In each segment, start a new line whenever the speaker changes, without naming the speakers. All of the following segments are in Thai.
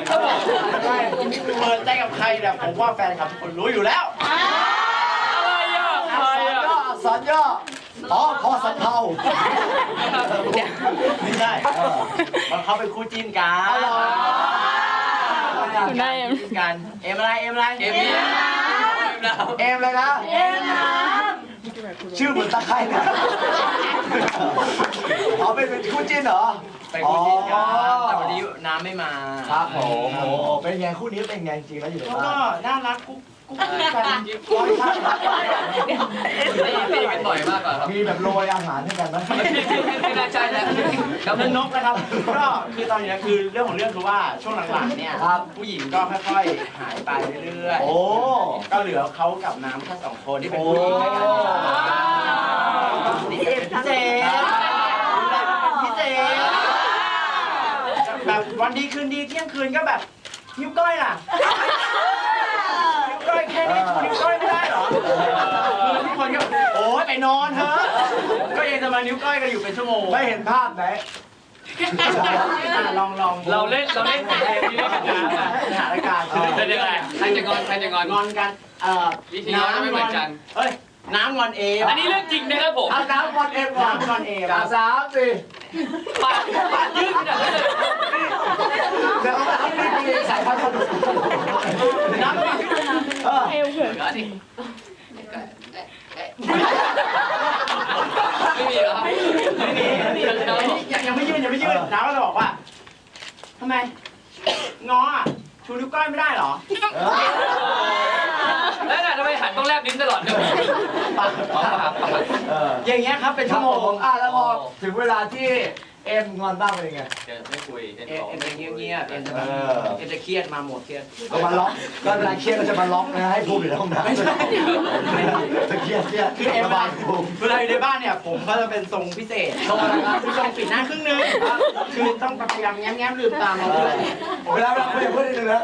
ครับผม
เปิดใจกับใครเนี่ยผมว่าแฟนคลับทุกคนรู้อยู่แล้ว
อะไรอ่ะอะไรอ่ะ
อักษรย่ออ๋อพอสำเภา
ไม่ใช่เพราะเขาเป็นคู่จิ้นกัน
คุณได้เอ็ม
จิ้นกันเอ็มอะไรเอ็มอะไร
เอ็มเนี่ย
เอมเลยนะชื่อเหมือนตะไคร้นะอ๋อเป็นคู่จิ้นเหรอ
เป็นคู่จิ้นกันแต่วันนี้น้ำไม่มา
ครับผมโอ้เป็นไงคู่นี้เป็นไงจริงแล้วอยู่ใน
เขา
บ้า
ก็
น
น่ารักกุ๊กกัน
พี่เป็นบ่อยมากกว่าครับ
มีแบบโรยอาหารให้กันไหม
ไม่น่าใช่แล้ว
แล้วนกนะครับก็คือตอนนี้คือเรื่องของเรื่องคือว่าช่วงหลังๆเนี่ยผู้หญิงก็ค่อยๆหายไปเรื่อย
โอ้
ๆก็เหลือเขากับน้ำแค่สองคนที่เป็นผู้หญิงด้วยกันนี่เป็นพิเศษพิเศษแบบวันดีคืนดีเที่ยงคืนก็แบบนิ้วก้อยล่ะนิ้วก้อยแค่นี้ชูนิ้วก้อยไม่ได้เหรอคือทุกคนก็โอ๊ยไปนอนเถอะก็ยังจะมานิ้วก้อยกันอยู่เป็นชั่วโมง
ไม่เห็นภาพไหน
ลอง
เราเล่นเกมนี้ด้วยกันนะ
สถานการณ์
เป็นยังไงใครจะงอนใครจะงอน
งอนกัน
วิธีงอนไม่เหมือนกัน
เอ้ยน้ำงอนเอ
อันนี้เรื่องจริงนะครับผม
เอาน้ำก่อนเอ็มก่อน
น้ำงอนเอ
กับสามสี่
ปากยืดขนาดนั้นเลย
เดี๋ยวเอาน้ำนี่มีสายพันธุ์สนุก
น้ำงอน
เอวเขิน
ก็ดิไม่มีเหรอ
ไม่มียังไม่ยื่นน้ำก็จะบอกว่าทำไมงออ่ะชูนิ้วก้อยไม่ได้เหรอ
แล้วทำไมหันต้องแลบลิ้นตลอดเลย
ปาก อย่างเงี้ยครับเป็นชั่วโมง
แล้วพอถึงเวลาที่เอ็มงอนบ้างเป็นยังไง
ไม่คุยเอ็น
เอ็
บอก
มจะเงียบๆเอ็มจะแบบเอ็มจะเครียดมาหมดเครียด
ก็มาล็อกก็เวลาเครียดก็จะมาล็อกนะให้ภูมิอยู่ในห้องน้ำ
ไม่ใช่
จะเครียด
คือเอ็ม
ระบายภูมิ
เวลาอยู่ในบ้านเนี่ยผมก็จะเป็นทรงพิเศษทรงอะไรครับคือทรงปิดหน้าครึ่งนึงคือต้องพยายามแง้มๆลืมตามเราด้วย
เวลาเราคุยกับเพื่อนนิดนึงนะ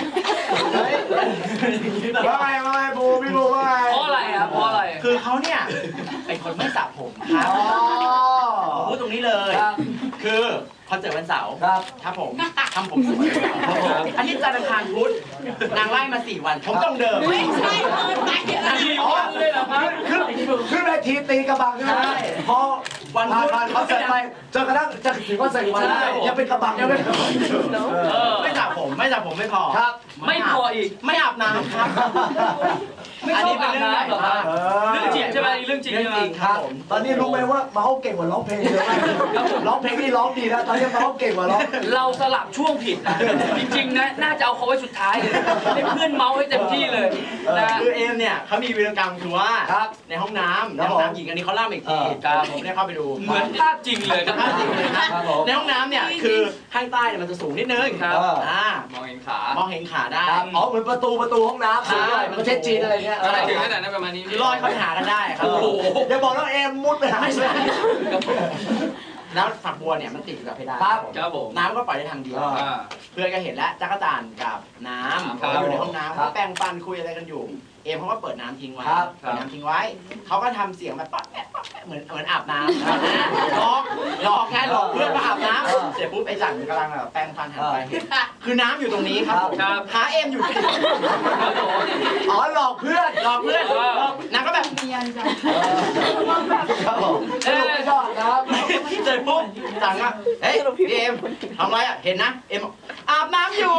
ว่าไงภูมิพี่ภูมิว่าไง
เพราะอะไรครับเพราะอะไร
คือเขาเนี่ยเป็นคนไม่สระผมครับ
อ๋อ
ผมพูดตรงนี้เลย
ครับ
คือคอนเสิร์ตวันเสาร์
ครับ
ถ้าผมทำผมสวยอาทิตย์จันทร์อังคารพุธนางไล่มา4 วันผมต้องเดิม
ไม่ใช่เกินไป
มีวันเลยเหรอครับ
ขึ้นเวทีตีกระบังใช่ไหมพอวันผ่านเขาเสร็จไปจนกระทั่งจะถึงวันเสร็จวันยังเป็นกระบังยังเป็นกระบังอยู่
ไม่สระผมไม่พอ
ครับ
ไม่พออีก
ไม่อาบน้ำครับ
ไม่ชอบอาบน้ำเหรอครับ เรื่องจริงใช่ไหมเรื่องจริง
เรื่อง
ใช่ไหม
จริงครับผม
ตอนนี้รู้ไหมว่าเมาส์เก่งกว่าร้องเพลงเยอะมากร้องเพลงนี่ร้องดีนะตอนนี้เมาส์เก่งกว่าร้อง
เราสลับช่วงผิดนะจริงๆนะน่าจะเอาเขาไว้สุดท้ายเลยให้เพื่อนเมาส์ให้เต็มที่เลยนะ
คือเอมเนี่ยเขามีวีรกรรมคือว่า
ครับ
ในห้องน้ำใน
ครับ
ห้องน้ำหญิงอันนี้เขาเล่าอีกที
ครับ
ผมได้เข้าไปดู
เหมือนภาพจริงเลยครับ
ภาพจริงเลยนะครับ
ผม
ในห้องน้ำเนี่ยคือข้างใต้เนี่ยมันจะสูงนิดนึง
ครับ
ม
มองเห็นขา
องเห็นขาได้
ครับอ๋อเหมือนประตูห้องน้ำสูงด้วยประเทศจีนอะไรเงี้ย
อะไรถึงขนาดนั้นประมาณนี้
คือลอยเข้าไปหากันได้ครับ
โอ้โห
อย่าบอกว่าเอ็มมุดไปหา
ไม่ใช่แล้วฝักบัวเนี่ยมันติดอยู่กับเพดาน
ครับ
ครับผม
น้ำก็ปล่อยได้ทางเดียว
อ่า
เพื่อนก็เห็นแล้วจักรจันทร์กับน้ำ
ครับ
เขาอยู่ในห้องน้ำ
ครั
เขา
บ
แปรงฟันคุยอะไรกันอยู่ เอมเขาก็เปิดน้ำทิ้งไว้
ครับ
เปิดน้ำทิ้งไว้เขาก็ทำเสียงแบบป๊อดแป๊ดป๊อดแป๊ดเหมือนอาบน้ำหลอกไงหลอกเพื่อนมาอาบน้ำเสร็จปุ๊บไอ้จันกำลังแบบแปรงฟันหันไปเห็นคือน้ำอยู่ตรงนี้ครับ
ครับ
ขาเอมอยู่
อ๋อหลอกเพื่อน
หลอกเพื่อนนางก็แบบเนียนจัง
ครับผมสรุปไม่ชอบนะครับ
เสร็จปุ๊บจังอ่ะเฮ้ยพี่เอมทำไรอ่ะเห็นนะเอมบอกอาบน้ำอยู่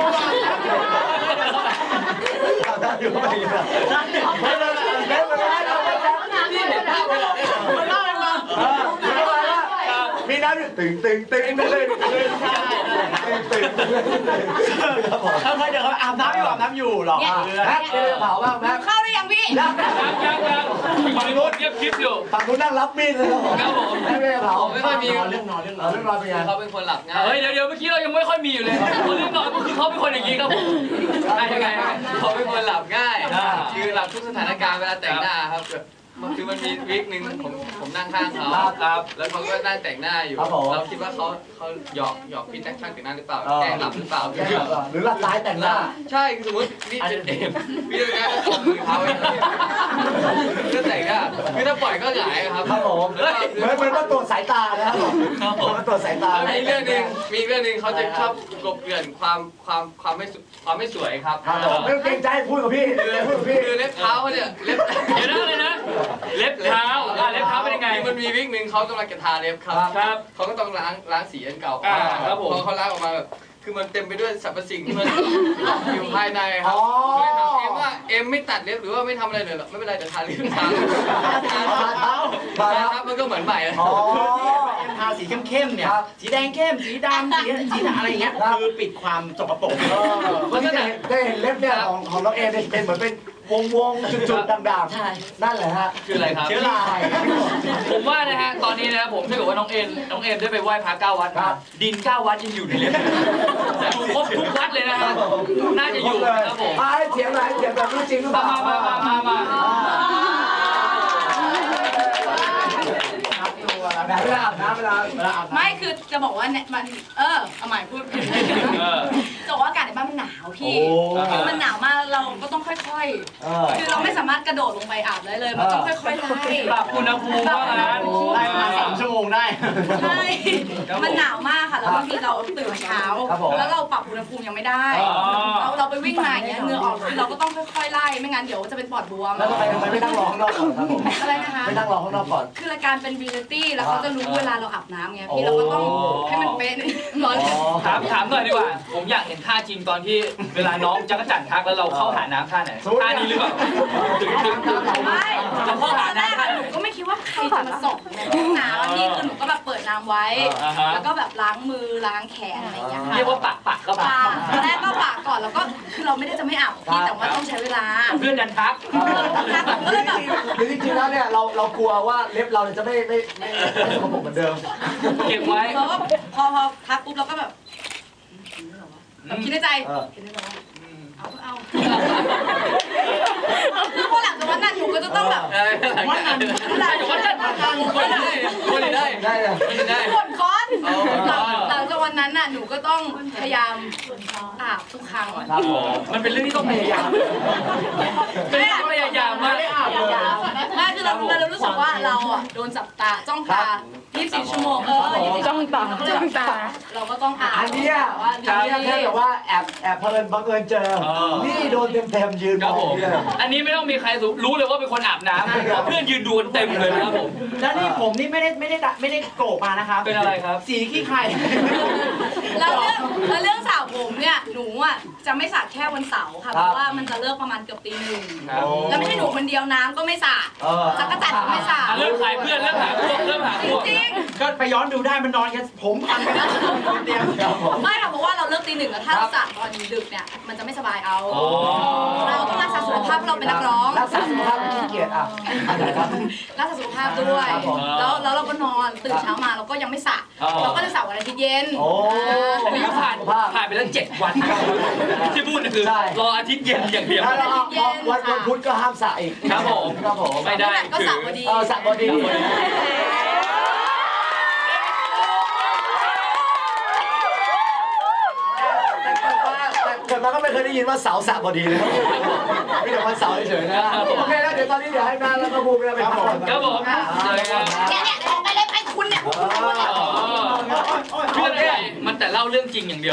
อาบน้ำอยู่
อยู่ไม่อยู่ไม่เลยไม่เลยเราไม่จับ
นี่เห็นภาพเลยเหรอ
มันเล่าให้ฟัง
มีน้ำอยู่ตึงไปเลยตึงครับผม
เขาเคยเดินเขาอาบน้ำอยู่หรอกเพื่อน
แม็กเจอเผาบ้างแม็ก
เข้าได้ยังพี่
ยัง
ยังฝั่งนู้นเงียบคลิปอยู่
ฝั่งนู้นนั่งรับมีดเลยครับผม
ครับผม
แม็กเจอเผา
ไม่ค่อยมี
เรื่องนอน
เรื่องราวเป็นไง
เขาเป็นคนหลับง่ายเฮ้ยเดี๋ยวเมื่อกี้เรายังไม่ค่อยมีอยู่เลยคนเรื่องนอนก็คือเขาเป็นคนอย่างนี้ครับผมยังไงเขาเป็นคนหลับง่ายคือหลับทุกสถานการณ์เวลาแต่งหน้าครับ
คือมันมีวีคหนึ่งผมนั่งข้างเขา
ครับ
แล้วเขาก็นั่งแต่งหน้าอยู่
ครับผม
เราคิดว่าเขาหยอกพี่แจ็คช่างแต่งหน้าหรือเปล่า
เออ
แกล้งหลับหรือเปล่า
หรือหลับร้ายแต่งหน้า
ใช่คือสมมติพี่จะเอมพี่จะแกล้งตบมือเขาเองก็แต่งหน้าคือถ้าปล่อยก็หงายอะครับ
ครับผม
แล้ว
เหมือนว่าตรวจสายตานะครับผม
ครับผม
มาตรวจสายตา
มีเรื่องหนึ่งเขาจะชอบกลบเกลื่อนความไม่สวยครับ
ครับผมไม่ต้องเกรงใจพูดกับพี่พูดกับพี่
คือเล็บเท้าเขาเนี่ยเล็บ
เดี๋ยวนะเลยนะ เล็บเท้าเล็บเท้าเป็นยังไง
มันมีวิกหนึ่งเขากำลังจะทาเล็บครับ
ครับ
เขาก็ต้องล้างสีอันเก่า
ครับผม
พอเขาล้างออกมาแบบคือมันเต็มไปด้วยสรรพสิ่งที่มัน อยู่ภายในครับ
อ๋อ
ก็เลยถามเอ็มว่าเอ็มไม่ตัดเล็บหรือว่าไม่ทำอะไรเลยหรอไม่เป็นไรแต่ทาเล็บทา
เท้ามาแล้ว
ครับมันก็เหมือนใหม่เลย
อ๋อ
เอ็มทาสีเข้มๆเนี่ย
ครับ
สีแดงเข้ม สีดำสีอะไรอย่างเงี้ย คือปิดความสกปรก
เมื่อกี้ได้เห็นเล็บเนี่ยของน้องเอเนี่ยเป็นเหมือนเป็นวงจุดๆด่างๆนั่นแหละฮะ
คืออะไรครับ
เชื้อรา
ผมว่านะฮะตอนนี้นะผมถ้าเกิดว่าน้องเอ็มได้ไปไหว้พระ9 วัด
ครับ
ดิน9 วัดยังอยู่ในเล่มอยู่ครบทุกวัดเลยนะฮะน่าจะอยู่นะครับผม
ให้เถียงหน่อยเถียงแบบรู้จริงหรือเปล่า
มา
เวลาอาบน้ำเวลาอาบน้ำ
ไม่คือจะบอกว่าเนี่ยมันเอาใหม่พูดผิดจะบอกว่าอากาศในบ้านมันหนาวพี่
โอ้
คือมันหนาวมากเราก็ต้องค่อยๆ คือเราไม่สามารถกระโดดลงไปอาบได้เลย มันต้องค่อยๆไล่
ปรับอุณหภูมิว่างั้น
ไล่มา3 ชั่วโมงได้
ใช่ มันหนาวมากค่ะ แล้วบางทีเราตื่นเช้า แล้วเราปรับอุณหภูมิยังไม่ได้ เราไปวิ่งมาอย่างเงี้ยเหงื่อออกคือเราก็ต้องค่อยๆไล่ ไม่งั้นเดี๋ยวจะเป็นปอดบวม
แล้วทำไมไม่นั่งรอข้างนอกก่อนครับผม
อะไรนะคะ
ไม่นั่งรอข้างนอกก่อน
คือรายการเป็นวีลิตี้แล้วเขาจะรู้เวลาเราอาบน้ำไงพี่เราก็ต้องให้มันเป๊ะนิดร้อน
ถามหน่อยดีกว่า ผมอยากเห็นท่าจริงตอนที่เวลาน้องจักรจั่นทักแล้วเราเข้าหาน้ำท่าไหนท่านี้หรือเปล่าถึง
ไม่
เราเข้า
ต
หา
อนแรก
น้ำท่า
อะหนูก็ไม่คิดว่าใครจะมาส่งในห้องน้ำอะพี่คือหนูก็แบบเปิดน้ำไว้ แล้วก็แบบล้างมือล้างแขนอะไรอย่างเงี้ยค่ะ
เรียกว่าปักก็ปัก
ปากตอนแรกก็ปากก่อนแล้วก็คือเราไม่ได้จะไม่อาบพี่แต่ว่าต้องใช้เวลา
เพื่อนดันทัก
ก็เลยแบบ
คือจริงๆแล้วเนี่ยเรากลัวว่าเล็บเราจะไม่สกปรกเหมือนเดิม
เก็บไว้
เราก็พอทักปุ๊บเราก็แบบคิดในใจคิดในใจว่าเอาคือพอหลังจากวันนั้นหนูก็จะต้องแบบ
วันนั้น
หลัง
วันจันทร์วันได้
ได้เลย
ได้ผลค้อนหลังจากวันนั้นน่ะหนูก็ต้องพยายามอาบทุกครั้ง
ครับผม
มันเป็นเรื่องที่ต้องพยายามเป็นเรื่องพยายามมาก
ไม่คือเรารู้สึกว่าเราอ่ะโดนจับตาจ้องตา24 ชั่วโมง
จ้องตา
เราก็ต้องอาบ
อันเนี้ย
ว่า
แค่แบบว่าแอบบังเอิญเจอ นี่โดนเต็มยืน
ครับ
ม
ผ
อง
ม
เลย
อันนี้ไม่ต้องมีใครรู้เลยว่าเป็นคนอาบน้ำเพื่อนยืนดูกันเต็มเลยนะครับผม
แล้วนี่ผมนี่ไม่ได้โกรธมานะครับ
เป็นอะไรครับ
สีขี้ไข่
แล้วเรื่องสระผมเนี่ยหนูอ่ะจะไม่สระแค่วันเสาร์ค่ะเพราะว่ามันจะเลิกประมาณเกือบตี 1แล้วไม่ใช่หนูคนเดียวน้ำก็ไม่สระจักรจันทร์ก็ไม่สระ
เริ่มขายเพื่อนเริ่มหาพวก
จริง
ก็ไปย้อนดูได้มันนอนกันผมพันไปแล้วเตียง
ๆไม่ค่ะเพราะว่าเราเลิกตี 1แล้วถ้าเราสระตอนดึกเนี่ยมันจะไม่สบายเอาเราต้องรักษาสุขภาพเราเป็นนักร้อง
รักษาสุขภาพไม่ขี้เกียจอ่ะอะไรครับ
รักษาสุขภาพด้วย
ครับผม
แล้วเราก็นอนตื่นเช้ามาเราก็ยังไม่สระเราก็จะสระวันอาทิตย์เย็น
โอ้
อันนี้ก็ผ่านไปแล้ว7 วันที่พูดคือรออาทิตย์เย็นอย่างเดียว
แล้ววันพุธก็ห้ามสระอีก
ครับผม
ครับผม
ไม่ได้
ก็สระพอดี
สระบอดีเกิดมาก็ไม่เคยได้ยินว่าเสาสระบดีเลยมีแต่วันเสาร์เฉยๆนะโอเคแล้วเดี๋ยวตอนนี้เดี๋ยวให้นาแล้วก็บูมไปพักผ่อน
ครับผมเลยครับ
เนี่ยออกไปเลยไปคุณเนี่ย
เพื่อนมันแต่เล่าเรื่องจริงอย่างเดียว